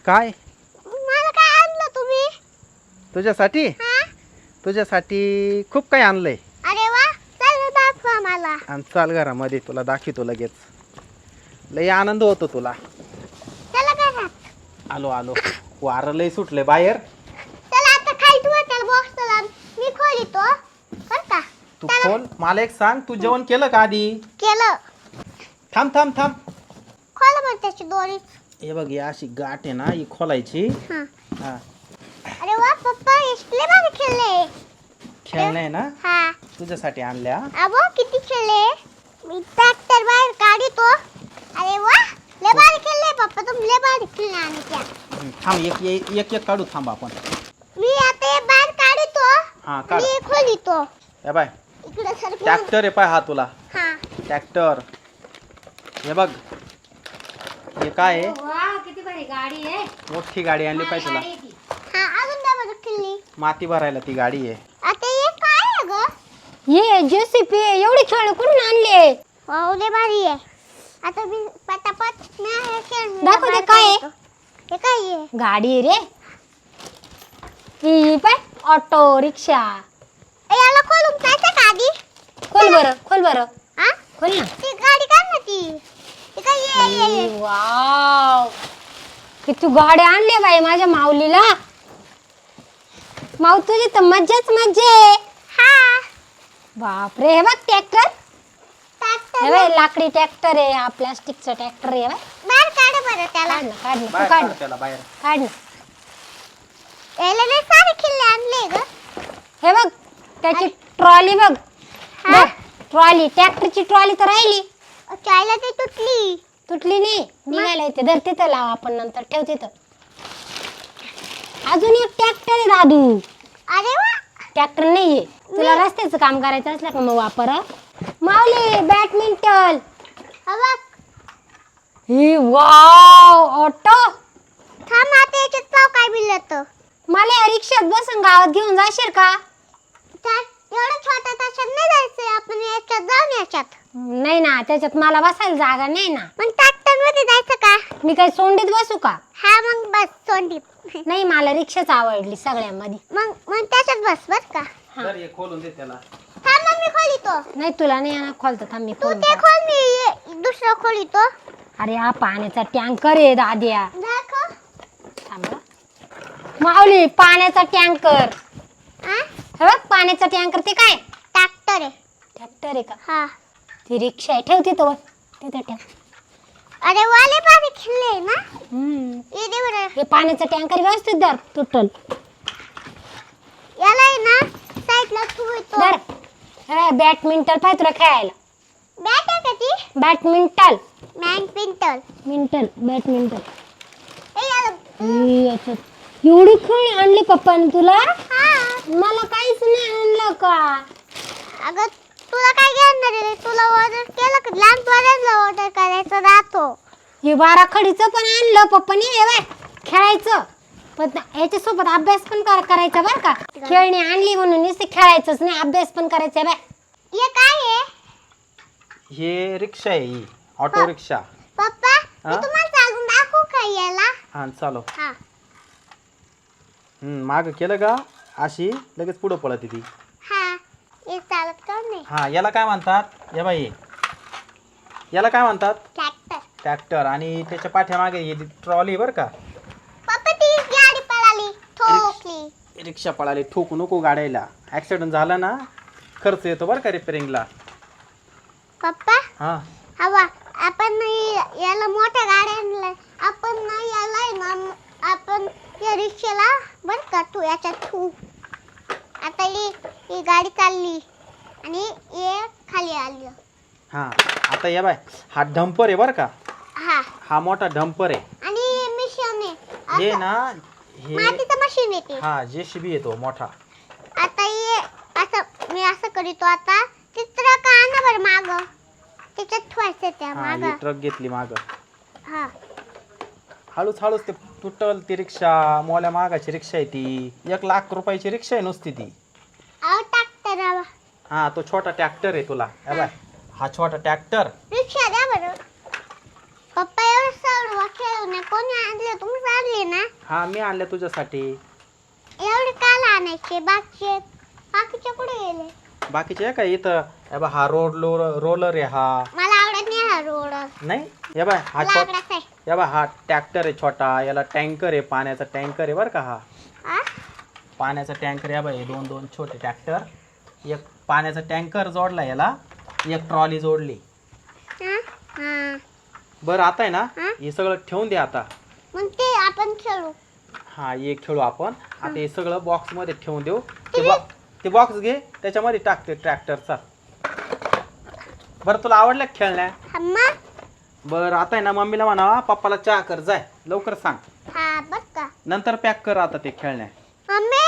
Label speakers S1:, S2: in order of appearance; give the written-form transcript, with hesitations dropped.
S1: काय
S2: मला काय आणलं तुम्ही?
S1: तुझ्यासाठी
S2: हा?
S1: तुझ्यासाठी खूप काही आणलंय.
S2: अरे वा, चल दाखवा मला.
S1: आणि चाल घरामध्ये तुला दाखवतो लगेच. लय आनंद होतो तुला.
S2: चला घरात.
S1: आलो आलो. वारं लय सुटले बाहेर.
S2: चला आता खाली ठेवा बॉक्स चला. मी खोलितो. कर का?
S1: तू खोल. मला एक सांग, तू जेवण केलं का आधी?
S2: केलं.
S1: थांब थांब थांब.
S2: खोला मग त्याची दोरी.
S1: हे बघ, ही अशी गाठ आहे ना, ही खोलायची.
S2: हा.
S1: हा,
S2: अरे वा पप्पा, इतके भारी खेळले.
S1: खेळणं ना,
S2: हा.
S1: तुझ्यासाठी आणल्या.
S2: अबो किती खेळले. मी ट्रॅक्टर बाहेर काढतो. अरे वा, लय भारी खेळले पप्पा, तुम्ही लय भारी खेळले. आणि त्या
S1: थांब, एक एक एक काढू. थांब आपण.
S2: मी आता हे बाहेर काढतो.
S1: हा काढ.
S2: मी खोलितो.
S1: हे बाय,
S2: इकडे सर.
S1: ट्रॅक्टर आहे पाय हा तुला.
S2: हा.
S1: ट्रॅक्टर. हे बघ, हे काय आहे?
S3: वाह किती भारी गाडी आहे.
S1: मोठी गाडी आणली पाहिजे तुला.
S2: हा, अजून काय बरं खेळली.
S1: माती भरायला ती गाडी आहे.
S2: आता हे काय आहे ग?
S3: ये जेसीपी एवढी खेळ कुठून आणले?
S2: वाव लय भारी आहे. आता मी पटापट ना हे खेळ.
S3: दाखव ते काय आहे?
S2: हे काय आहे?
S3: गाडी रे. ही पाय ऑटो रिक्षा.
S2: ए, याला खोलून जायचं का आधी?
S3: खोल बरं, खोल बरं,
S2: हा?
S3: खोल ना.
S2: ती गाडी काय ना ती? हे काय ये.
S3: वाव किती गाड्या आणल्या बाई माझ्या माऊलीला. माऊ तुझी तर मज्जाच मज्जा आहे.
S2: हा.
S3: बापरे, हे बघ ट्रॅक्टर.
S2: ट्रॅक्टर
S3: हे बाई लाकडी ट्रॅक्टर आहे, हा प्लास्टिकचा ट्रॅक्टर आहे.
S2: बाहेर काढ बरं त्याला.
S3: काढ ना, काढ ना, तू
S1: बाहेर
S3: काढ
S1: काढ
S3: ना,
S1: त्याला बाहेर.
S3: काढ ना.
S2: याला लय सारे खिल्ले आणले ग.
S3: हे बघ त्याची ट्रॉली बघ.
S2: हा?
S3: ट्रॉली, ट्रॅक्टरची ट्रॉली तर राहिली.
S2: चायला ती तुटली.
S3: तुटली नाही, निघायला येते. धर तिथं लाव, आपण नंतर ठेव तिथं. अजून एक ट्रॅक्टर आहे दादू.
S2: अरे वा.
S3: ट्रॅक्टर नाहीये, तुला रस्त्याचं काम करायचं असलं का मग वापर. माऊली बॅडमिंटन.
S2: हा बघ.
S3: ही वाव ऑटो.
S2: थांब आता याच्यात पाव काय बिलत.
S3: मला या रिक्षात बसून गावात घेऊन जाशील का?
S2: एवढं छोट्या ताशात नाही जायचं. आपण याच्यात जाऊन याच्यात.
S3: नाही ना, त्याच्यात मला बसायला जागा नाही ना.
S2: मग ट्रॅक्टर मध्ये जायचं का?
S3: मी काही सोंडीत बसू का?
S2: हा मग बस सोंडीत.
S3: नाही, मला रिक्षाच आवडली सगळ्यामध्ये.
S2: मग त्याच्यात बस बर का?
S1: तर हे खोलून दे त्याला.
S2: थांब मग मी खोलितो.
S3: नाही तुला नाही येणार खोलता. थांब मी
S2: तू
S3: खोलून
S2: ते
S3: टाक.
S2: खोल, मी दुसरं खोलितो.
S3: अरे हा पाण्याचा टँकर आहे दाद्या.
S2: दाखव.
S3: थांब हं. माऊली पाण्याचा टँकर.
S2: हा?
S3: हे बघ पाण्याचा टँकर. ते काय
S2: ट्रॅक्टर आहे.
S3: ट्रॅक्टर आहे का?
S2: हा.
S3: ती रिक्षा आहे, ठेव तिथं वर. तिथं ठेव.
S2: अरे वाले पाणी खेळले ना. ये दे बरं.
S3: हे पाण्याचा टँकर व्यवस्थित धर, तुटल.
S2: याला आहे ना साईडला ठेवतो.
S3: धर. हे बॅडमिंटन पाय तुला खेळायला.
S2: बॅट आहे का ती?
S3: बॅडमिंटन.
S2: बॅडमिंटन.
S3: बॅडमिंटन.
S2: ए याला.
S3: याच्यात एवढी खेळ आणली पप्पाने तुला.
S2: हा.
S3: मला काहीच नाही आणलं का?
S2: अगं तुला काय घेणार आहे? तुला ऑर्डर केलं का? लहान पोरांना ऑर्डर करायचं राहतो.
S3: हे बारा खडीचं पण आणलं पप्पाने. हे बाय खेळायचं, पण याच्यासोबत अभ्यास पण करायचा बरं का. खेळणी आणली म्हणून नुसते खेळायचंच नाही, अभ्यास पण करायचा. बाय
S2: हे काय आहे?
S1: हे रिक्षा आहे, ही ऑटो रिक्षा.
S2: पप्पा मी
S1: हा?
S2: तुम्हाला चालून दाखवू का याला?
S1: हा चालो.
S2: हा.
S1: माग केलं का अशी लगेच पुढं पळत ती.
S2: हा. हे चालत का नाही?
S1: हा, याला काय म्हणतात? या बाई, याला काय म्हणतात?
S2: ट्रॅक्टर.
S1: ट्रॅक्टर. आणि त्याच्या पाठीमागे ही ट्रॉली बरं का.
S2: पप्पा ती गाडी पळाली, ठोकली.
S1: रिक्षा पळाली. ठोकू नको गाड्याला. ऍक्सिडेंट झाला ना, खर्च येतो बरं का रिपेअरिंगला.
S2: पप्पा
S1: हा.
S2: हवा आपण याला मोठ्या गाड्यांना आपण नाही याला आहे ना, आपण या रिक्षाला बर का तू याच्यात ठेवू. आता ही गाडी चालली आणि हे खाली आली.
S1: हा, आता या बाय, हा डंपर आहे बरं का.
S2: हा.
S1: हा मोठा डंपर आहे.
S2: आणि मिशन आहे.
S1: हे ना, हे
S2: मातीचं मशीन येते.
S1: हा जेसीबी येतो मोठा.
S2: आता हे असं मी असं करीतो. आता चित्र का ना बरं माग त्याच्यात ठेवायचं त्या
S1: हा,
S2: माग.
S1: ही ट्रक घेतली माग.
S2: हा.
S1: हळूच हळूच ते तुटल ती रिक्षा. मोल्या मागाची रिक्षा आहे ती. 1 लाख रुपयाची रिक्षा आहे नुसती ती.
S2: आव ट्रॅक्टर आवा.
S1: हा, तो छोटा ट्रॅक्टर आहे तुला. हे बाय, हा छोटा ट्रॅक्टर.
S2: रिक्षा द्या बरं. पप्पा एवढं सर्व खेळ खेळणे कोणी आणले? तुम्हीच आणले ना?
S1: हा मी आणल्या तुझ्यासाठी.
S2: एवढे काल आणायचे? बाकीचे कुठे गेले?
S1: बाकीचे आहे का इथं? हे बघ हा रोलर आहे हा.
S2: मला आवडत नाही हा रोड.
S1: नाही हे बाय हा
S2: लाकडाचा आहे.
S1: हे बघ हा ट्रॅक्टर आहे छोटा, याला टँकर आहे, पाण्याचा टँकर आहे बरं का. हा
S2: हा?
S1: पाण्याचा टँकर आहे बाय. दोन दोन छोटे ट्रॅक्टर, एक पाण्याचा टँकर जोडला याला, एक ट्रॉली जोडली.
S2: हा? हा.
S1: बरं आता आहे ना
S2: हा?
S1: हे सगळं ठेवून दे आता.
S2: मग ते आपण खेळू.
S1: हा एक खेळू आपण आता. हे सगळं बॉक्स मध्ये ठेवून देऊ. ते बॉक्स घे, त्याच्यामध्ये टाकते ट्रॅक्टरचा. बरं तुला आवडलं का खेळण्या?
S2: अम्मा?
S1: बरं आता आहे ना मम्मीला म्हणा पप्पाला चहा कर, जाय लवकर सांग.
S2: हा बर का.
S1: नंतर पॅक कर आता ते खेळण्या.
S2: मम्मी